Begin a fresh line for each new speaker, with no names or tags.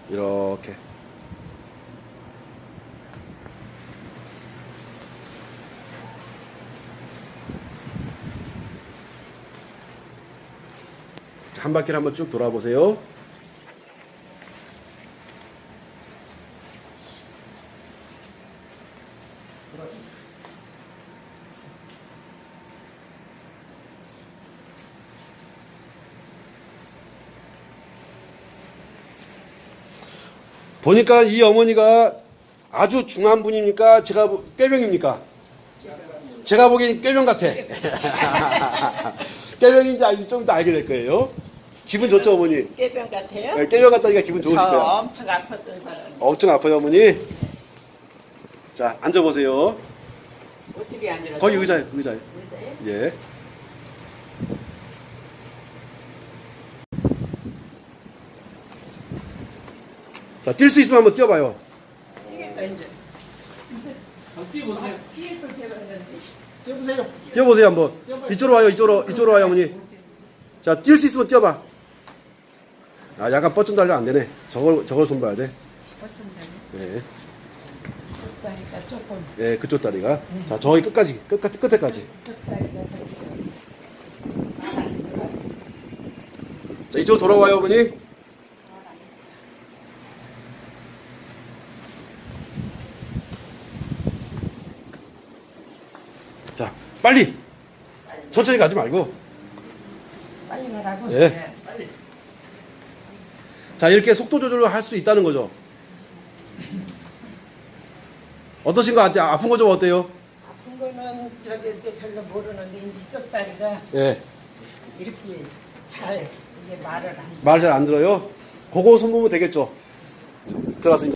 이렇게. 한 바퀴를 한번 쭉 돌아보세요. 보니까 이 어머니가 아주 중한 분입니까? 제가 꾀병입니까? 제가 보기엔 꾀병 같아. 꾀병인지 좀 이따 알게 될 거예요. 기분 좋죠, 어머니?
깨병 같아요?
네, 꾀병 같다니까 기분 좋으실 거예요.
엄청 아팠던 사람.
엄청 아파요, 어머니. 자, 앉아보세요.
어떻게 앉으라고?
거기 의자에.
의자에?
예. 자, 뛸 수 있으면 한번 뛰어봐요.
뛰겠다 이제.
뛰어보세요.
뛰을 걸 배웠는데.
뛰어보세요.
뛰어보세요, 한번. 이쪽으로 와요, 이쪽으로 와요, 어머니. 자, 뛸 수 있으면 뛰어봐. 아, 약간 뻗준다 하려면 안 되네. 저걸 손봐야 돼.
어쩐다니?
예.
이쪽 다리가 조금.
예, 그쪽 다리가. 자, 저기 끝에까지.
이쪽 다리가
자, 이쪽으로 돌아와요, 어머니. 자, 빨리. 천천히 가지 말고.
빨리 가라고.
예.
네.
빨리.
자, 이렇게 속도 조절을 할 수 있다는 거죠. 어떠신 것 같아요? 아픈 거 좀 어때요?
아픈 거는 저기 별로 모르는데 이쪽 다리가
예.
이렇게 잘 이게 말을 안.
말 잘 안 들어요? 그거 손보면 되겠죠? 들어가서 이제.